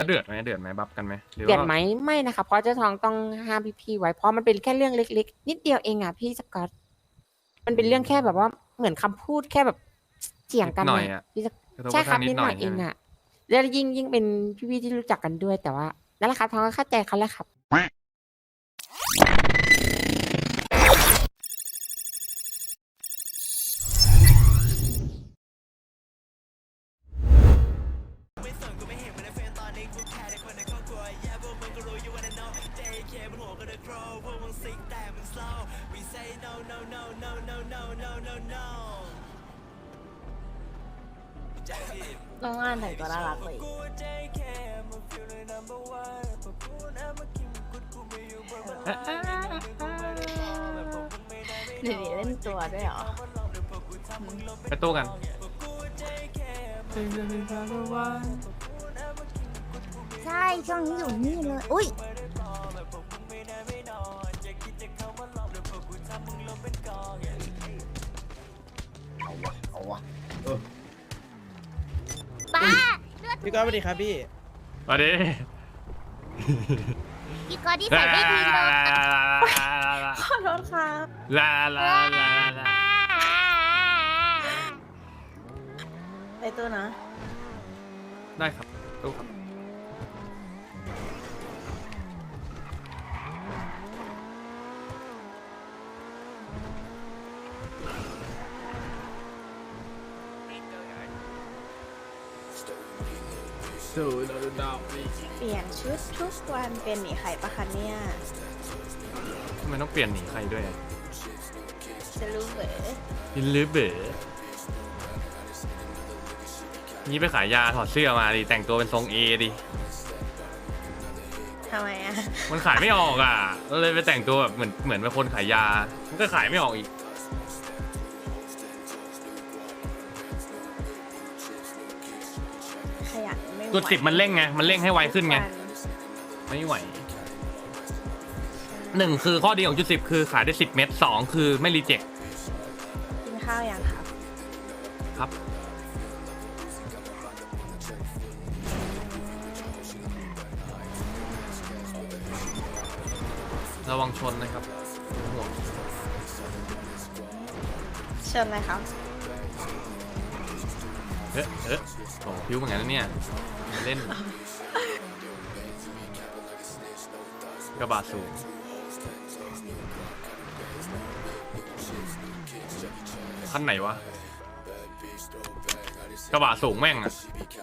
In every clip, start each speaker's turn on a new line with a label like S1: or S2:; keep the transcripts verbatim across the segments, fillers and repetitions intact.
S1: เดือดไหมเดือดไหมบัฟกันไหมหรือ
S2: เดือด
S1: ว่า
S2: ไหมไม่นะคะเพราะเจ้าทองต้องห้ามพี่ๆไว้เพราะมันเป็นแค่เรื่องเล็กๆนิดเดียวเองอ่ะพี่สกอตมันเป็นเรื่องแค่แบบว่าเหมือนคำพูดแค่แบบเถียง
S1: นิด
S2: กัน
S1: หน่อย
S2: น่ะ
S1: อ่ะ
S2: พี่สก
S1: กระทบ
S2: ใช่
S1: กระ
S2: ค
S1: ทั่
S2: รับ
S1: งนิ
S2: นิ
S1: ด
S2: ด
S1: ห
S2: ห
S1: น่
S2: น่
S1: อ
S2: อย ยเอง
S1: ใช่ไหม
S2: อ่ะแล้วยิ่งยิ่งเป็นพี่ๆที่รู้จักกันด้วยแต่ว่านั่นแหละครับทองก็เข้าใจเขาแหละครับ
S3: น้องอ่านแต่งตัวน่ารักเลยเดี๋ยวนี้เล่นตัวด้วยเหรอ
S1: ไปตู้กัน
S3: ใช่ช่วงนี้อยู่นี่เลย อุ้ย
S4: เอาวะเอาวะเออ
S3: ป้า
S5: พี่ก้อยสวัสดีครับพี่
S1: สวัสดี
S3: พี่กอที่ใส่ไม่ดีเลย ขอโทษครับ
S1: ลาลาลาลา
S3: ไปตัวนะ
S1: ได้ครับตู้ครับ
S3: เปลี่ยนชุดทุกวันเป็นหนีไข่ปะคะเนี่ย
S1: ทำไมต้องเปลี่ยนหนีใครด้วย
S3: จะรู้เหรอ
S1: ยินลือเบ๋อนี่ไปขายยาถอดเสื้อมาดิแต่งตัวเป็นทรงเอดิ
S3: ทำไมอ่ะ
S1: มันขายไม่ออกอ่ะก็เลยไปแต่งตัวแบบเหมือนเหมือนเป็นคนขายยา มันก็ขายไม่ออกอีก
S3: ขยันไม่ไหว
S1: จุดสิบมันเร่งไง มันเร่งให้ไวขึ้นไง ไม่ไหวหนึ่งคือข้อดีของจุดสิบคือขายได้สิบเม็ดสองคือไม่รีเจ็ค
S3: กินข้าวยังครับ
S1: ครับ ระวังชนนะครับห่วง
S3: เชิญเลยครับ
S1: เอ๊ะเอ๊ะโอ้พิ้วเหมือนกันนะเนี่ยเล่น กระบะสูงขั้นไหนวะ กระบะสูงแม่งอะ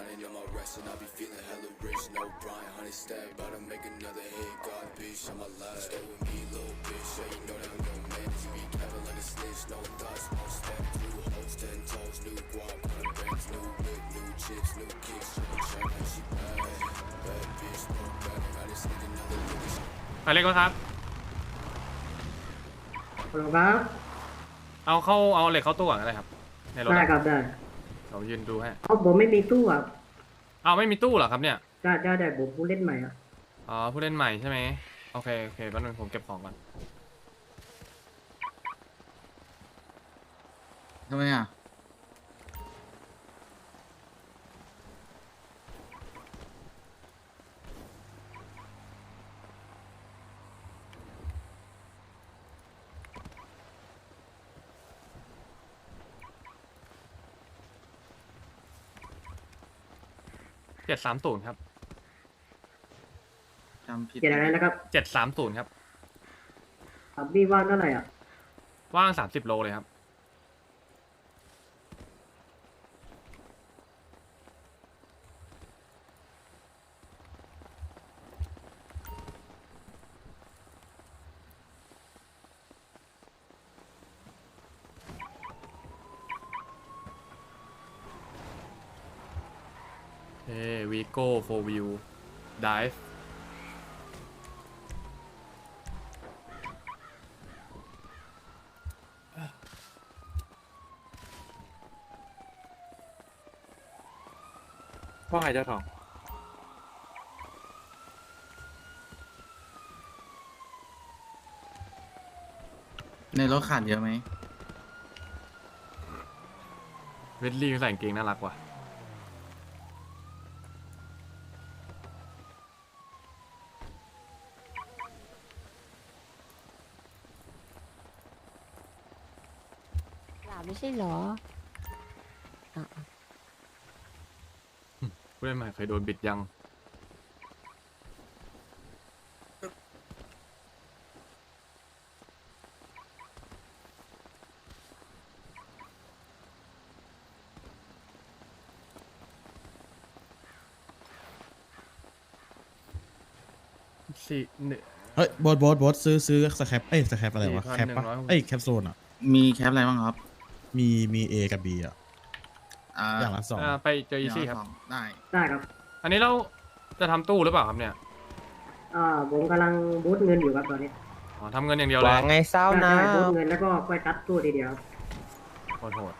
S1: ไปเล็กวะครับ
S6: ฮัลโหลครับ
S1: เอาเข้าเอาเหล็กเข้าตู้ก่อนก็ได้ครับ ในรถ
S6: ได้
S1: อะ
S6: ครับได้
S1: เรายืนดูให้
S6: เอาผมไม่มีตู้อ่ะ
S1: เอาไม่มีตู้เหรอครับเนี่ย
S6: ได้ได้ได้ผมผู้เล่นใหม่อ่ะ
S1: อ๋อผู้เล่นใหม่ใช่ไหมโอเคโอเคแป๊บนึงผมเก็บของก่อน
S4: ทำไมอ่ะ
S1: เจ็ดสามศูนย์ครับ
S4: จำผิด
S6: เกียรติอะไรนะครับ
S1: เจ็ดสามศูนย์ครับ
S6: ครับพี่ว่างเท่าไหร่อ่ะ
S1: ว่างสามสิบโลเลยครับเฮ้วีโก้โฟวิวดิฟว่าไงเจ้าทอง
S4: ในรถขาดเยอะไหม
S1: เวดลี่ใส่กางเกงน่ารักว่ะ
S2: าไม่ใช่เหรออ่ะ
S1: ผู้เล่นใหม่เคยโดนบิดยังสี่หนึ่ง
S7: เฮ้ยโบทโบทโบทซื้อซื้อสแครปเอ้ยสแครปอะไรวะ
S1: สี่พัน
S7: แคปปะ
S1: หนึ่งร้อยหกสิบ
S7: เอ้ยแคปโซนอ่ะ
S4: มีแคปอะไรบ้างครับ
S7: มีมีเอกับบีอ่ะ
S4: อ่า
S7: อย่างละสอง
S1: อ่าไปเจออีซี่ครับ
S4: ได้
S6: ได้ครับ
S1: อันนี้เราจะทำตู้หรือเปล่าครับเนี่ย
S6: อ่าผมกำลังบูทเงินอยู่ครับตอนนี้
S1: อ๋อทำเงินอย่างเดียวเลย
S5: ว่าไงเศร้านะ
S6: ได้บูทเงินแล้วก็ค่อยตัดตู้ทีเดียวครับ
S1: โหดโหด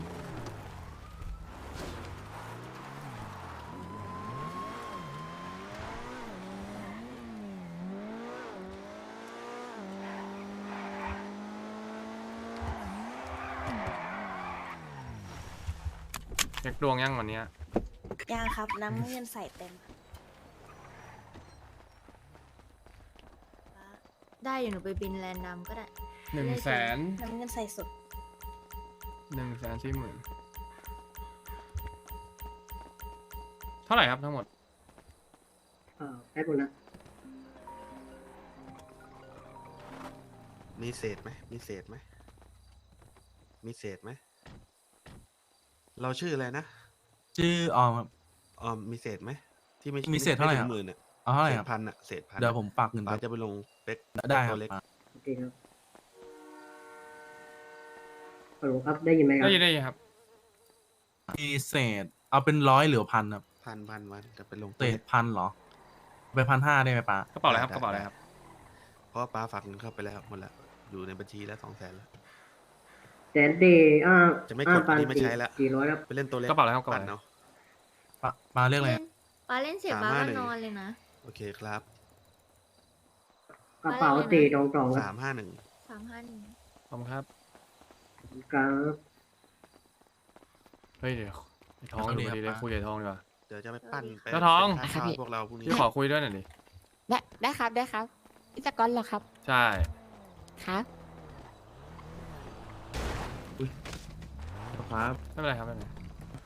S1: เช็คดวงยังวันเนี้ย
S3: ยังครับน้ำเงินใส่เต็ม
S8: ได้อยู่หนูไปบินแลนด์นำก็ได้
S1: หนึ่งแสน
S3: น้ำเงินใส่สุด
S1: หนึ่งแสนสี่หมื่นเท่าไหร่ครับทั้งหมด
S6: อ่าแป๊บนึงนะ
S9: มีเศษไหม มีเศษไหม มีเศษไหม เราชื่ออะไรนะ
S10: ชื่อออมครับ
S9: ออมมีเศษไหม ที่ไม่
S10: มีเศษเท่าไหร่
S9: ม่
S10: ครับ
S9: ถึงหมื่นอ่ะ
S10: เอาเท่าไหร่
S9: เศ
S10: ครั
S9: ษ
S10: บ
S9: พันอ่ะ เศษพัน
S10: เดี๋ยวผมฝากเงิน
S9: ป้า
S10: ไป
S9: จะไปลงเป๊ก
S10: ได้ครั
S9: ตั
S10: บ
S9: วเล็ก
S6: โอเคครับฮัลโหลครับได้ยินไหมครับ
S1: ได้ยินได้ยินครับ
S10: มีเศษ เอาเป็นร้อยหรือพันครับ
S9: พันพันวันจะไปลง
S10: เศษพันเหรอ ไปพันห้าได้ไหมป้าก
S1: ระเป๋าอะไรครับกระเป๋าอะไรครับ
S9: เพราะว่าป้าฝากเงินเข้าไปแล้วหมดแล้ว อยู่ในบัญชีแล้วสองแสนแล้ว
S6: แสนดีอ่า
S9: จะไม่กด
S6: อ่า
S9: อันนี้ไม่ใช้ละ
S6: สี่ร้อยครับ
S9: ไปเล่นตัวเล็ก
S1: กระเป๋าอะไรครับกระเป๋า
S9: ปั่น
S1: อะไร
S9: เนาะ
S10: ป้าป้าเรียกอะไร
S8: เล่นปาเล่นเสร็จ
S9: สาม
S8: ปา
S9: ห้า
S8: ก็
S9: หนึ่ง
S8: นอนเลยนะ
S9: โอเคครับ
S6: กระเป๋าสี่ตรงตรงๆค
S9: สา
S6: รับ
S9: มห้าหนึ่ง
S8: สามห้าหนึ่ง
S1: ขอบคุณครับ
S6: ครับ
S1: เฮ้ยเดี๋ยวไอ้ทองอยู่พอดีเลยคุยกับไอ้ทองดีกว่า
S9: เดี๋ยวจะไปปั้นไป
S1: เจ้าทอง
S9: เป็นค่าข้าวให้พวกเราพรุ่งนี้
S1: พี่ขอคุยด้วยหน่อยดิ
S2: ได้ได้ครับได้ครับพี่สกอตเหรอครับ
S1: ใช่
S2: ครับ
S1: ครับไม่เป็นไรครับไม่เป็นไร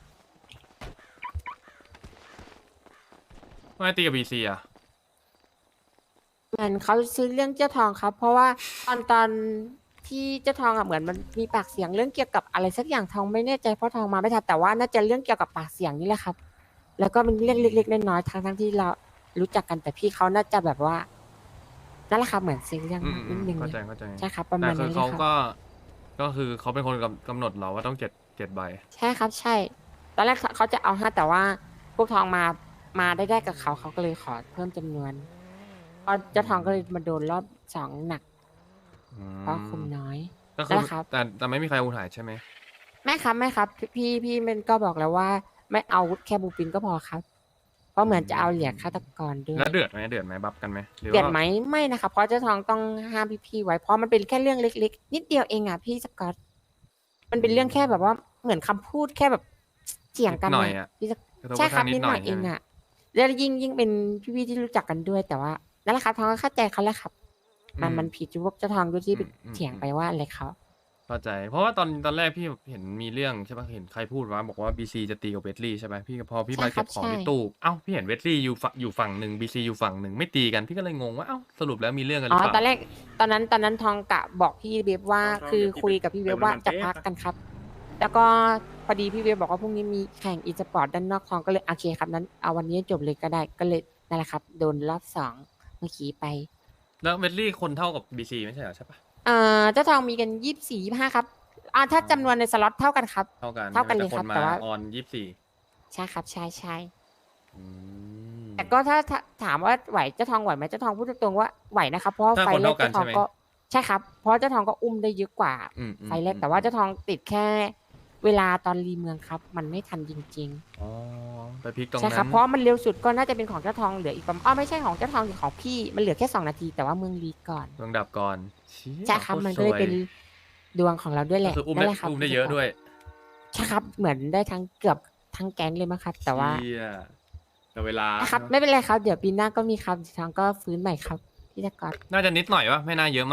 S1: ทำไมตีกับบีซีอ่ะ
S2: เหมือนเขาซื้อเรื่องเจ้าทองครับ เพราะว่าตอนตอนที่เจ้าทองอ่ะเหมือนมันมีปากเสียงเรื่องเกี่ยวกับอะไรสักอย่างทองไม่แน่ใจเพราะทองมาไม่ทันแต่ว่าน่าจะเรื่องเกี่ยวกับปากเสียงนี่แหละครับ แล้วก็เป็นเรื่องเล็กๆน้อยๆทั้งทั้งๆที่เรารู้จักกันแต่พี่เขาน่าจะแบบว่านั่นแหละครับเหมือนซื้อเรื่อง
S1: อืม
S2: นิดนึง
S1: เข้าใจเข้าใจ
S2: ใช่ครับประ
S1: แต่
S2: มาณ
S1: คื
S2: นั้
S1: อน
S2: เลย
S1: เขา
S2: ครับ
S1: ก็ก็คือเขาเป็นคนกำกำหนดเราว่าต้องเจ็ดเจ็ดใบ
S2: ใช่ครับใช่ ตอนแรกเขาจะเอาห้าแต่ว่าพวกทองมามาได้ได้กับเขาเขาก็เลยขอเพิ่มจำนวนพอเจ้าทองก็เลยมาโดนรอบสองหนัก
S1: อืม
S2: เพราะคุมน้อย
S1: ก็คือ
S2: นะครับ
S1: แต่แต่ไม่มีใครอูหายใช่ไหม
S2: ไม่ครับไม่ครับ พี่พี่มันก็บอกแล้วว่า ไม่เอาแค่บูปินก็พอครับ เพราะเหมือนจะเอาเหลียกฆาตกรด้วย
S1: แล้วเดือดไหมเดือดไหมบัฟกันไหมหรือ
S2: เดือด
S1: ว่า
S2: ไหมไม่นะครับเพราะเจ้าทองต้องห้ามพี่พี่ๆไว้เพราะมันเป็นแค่เรื่องเล็กๆ นิดเดียวเองอ่ะพี่สกอตมันเป็นเรื่องแค่แบบว่าเหมือนคำพูดแค่แบบเถียงกัน
S1: นิดหน่อย
S2: น่ะ
S1: อะ
S2: พี่สก
S1: กระทบ
S2: ใช่
S1: กระ
S2: ครั
S1: ทั่
S2: บ
S1: งนิ
S2: นิ
S1: ด
S2: ด
S1: ห
S2: ห
S1: น่
S2: น่
S1: อ
S2: อย ยเอง
S1: ใช่ไหม
S2: อ่ะแล้วยิ่งยิ่งเป็นพี่ๆที่รู้จักกันด้วย แต่ว่านั่นแหละครับทองก็เข้าใจเขาแหละครับ มันมันผิดที่พวกเจ้าทองด้วยที่ไปเถียงไปว่าอะไรเขา
S1: เข้าใจ เพราะว่าตอนตอนแรกพี่เห็นมีเรื่องใช่ปะเห็นใครพูดว่าบอกว่าบีซีจะตีกับเวสลี่ใช่ไหมพี่พอพี่มา
S2: ใช่ครั
S1: เก็
S2: บบ
S1: ของ
S2: ใช่
S1: ในตู้เอ้าพี่เห็นเวสลี่อยู่ฝั่งอยู่ฝั่งหนึ่งบีซีอยู่ฝั่งหนึ่งไม่ตีกันพี่ก็เลยงงว่าเอ้าสรุปแล้วมีเรื่องกันห
S2: อ๋
S1: รือ อเป
S2: ตอน
S1: ล่า
S2: แรกตอนนั้นตอนนั้นทองกะบอกพี่เวฟว่า
S5: ทอง
S2: คือ
S5: เดี๋ยวพี่
S2: คุยกับพี่เวฟว่า
S5: ไป
S2: จะ
S5: ไป
S2: พักกันครับ แล้วก็พอดีพี่เวฟบอกว่าพรุ่งนี้มีแข่งอีสปอร์ตด้านนอกทองก็เลยโอเคครับนั้นเอาวันนี้จบเลยก็ได้ก็เลยนั่นแหละครับ โดนรอบสองเมื่อกี้ไป
S1: แล้วเวสลี่คนเท่ากับบีซีไม่ใช่เหรอใช่ปะ
S2: เอ่อเจ้าทองมีกันยี่สิบสี่ยี่ห้าครับอ่าถ้าจำนวนในสล็อตเท่ากันครับ
S1: เท่ากัน
S2: เท่ากันเลย
S1: แต่
S2: ครับ
S1: มา
S2: แต่ว่า
S1: ออนยี่สิบสี่
S2: ใช่ครับใช่ใช่
S1: อืม
S2: แต่ก็ถ้าถ้าถามว่าไหวเจ้าทองไหวไหมเจ้าทองพูดตรงๆว่าไหวนะครับเพราะว่า
S1: ถ้า
S2: ไฟ
S1: คน
S2: แรก
S1: เท่ากัน
S2: เจ้าทอง
S1: ใช่ไหม
S2: ก็ใช่ครับเพราะเจ้าทองก็อุ้มได้เยอะกว่า
S1: อืมอืม
S2: ไฟแรก
S1: อืม
S2: แต่ว่าเจ้าทองติดแค่เวลาตอนรีเมืองครับ มันไม่ทันจริง
S1: อ๋อไปพลิกตรง
S2: ๆ ใช่
S1: นั้
S2: ครับ
S1: น
S2: เพราะมันเร็วสุดก็น่าจะเป็นของเจ้าทองเหลืออีกประมาณอ๋อไม่ใช่ของเจ้าทองสิของพี่มันเหลือแค่สองนาทีแต่ว่าเมืองรีก่อน
S1: ดวงดับก่อนเชี่ย
S2: ใช่ครับ
S1: โต
S2: มันก็เลย
S1: สว
S2: เป็นดวงของเราด้วยแห
S1: ก็
S2: ละ
S1: คืออุ้ม
S2: นั่
S1: ได้
S2: นแหละครับ
S1: อุ้มได้เยอะด้วย
S2: ใช่ครับเหมือนได้ทั้งเกือบทั้งแก๊งเลยมั้งครับ แต่ว่า
S1: เชี่ยแต่เวลา
S2: นะครับไม่เป็นไรครับเดี๋ยวปีหน้าก็มีครับเจ้าทองก็ฟื้นใหม่ครับพี่ตะกอน
S1: น่าจะนิดหน่อยวะไม่น่าเยอะมากเท่า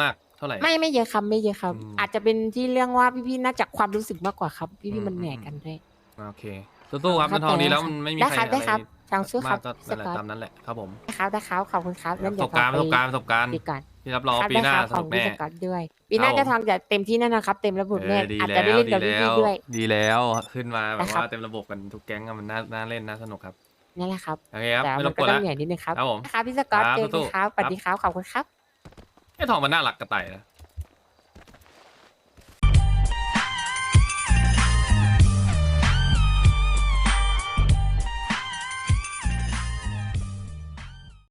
S1: าไหร่
S2: ไม่ไม่เยอะครับไม่เยอะครับ
S1: อืม
S2: อาจจะเป็นที่เรื่องว่าพี่ๆน่าจะความรู้สึกมากกว่าครับ พี่
S1: อืม
S2: ๆมันเหนื่อย
S1: อืม
S2: กันด้วย
S1: โอเคสู้ๆครับ
S2: เข้า
S1: เงินทอง
S2: ใจ
S1: ดีแล้ว
S2: ครับ
S1: มันไม่มี
S2: ได้
S1: ใคร
S2: ครับได้ครับ
S1: อะไร
S2: ทางสู้ครับ
S1: มากก็นั่นแหละ
S2: สกอต
S1: ตามนั้นแหละครับผม
S2: ได้ครับได้ครับขอบคุณครับ
S1: ป
S2: งั้น
S1: ระ
S2: เดี๋
S1: ส
S2: ยว
S1: บการณ์
S2: ข
S1: ป
S2: อ
S1: ระสบ
S2: ไป
S1: การณ์ประสบการณ์
S2: ดีก่อน
S1: พี่รับรอง
S2: ครับ
S1: ปีหน้า
S2: ได้ครับ
S1: สนุกแน่
S2: ของพี่สกอตด้วย ปีหน้า
S1: ครับผม
S2: จะทองจะเต็มที่แน่นอนครับ เต็มระบบ
S1: เอ
S2: แน่
S1: อดี
S2: อาจ
S1: แล้
S2: จะได้
S1: ว
S2: เล่น
S1: ดี
S2: กับ
S1: แล้
S2: พี่
S1: ว
S2: ๆด้วย
S1: ดีแล้วขึ้นมาแบบ
S2: นะครับ
S1: ว่าเต็มระบบกันทุกแก๊งอะมันน่าน่าเล่นน่าสนุกครับ
S2: นั่นแหละครับ
S1: โอเคครับ
S2: แต่
S1: ไม่ร
S2: มั
S1: บ
S2: น
S1: ก
S2: ก็
S1: วน
S2: ต้อง
S1: ละ
S2: เหนื่อยนิดนึงครับ
S1: ครับผม
S2: นะครับพี่สกอต
S1: ครับ
S2: เจอกัน
S1: สู้
S2: ครับ
S1: ๆ
S2: สวัสดีครับขอบคุณครับ
S1: ไอ้ทองมันน่ารักกระต่ายนะ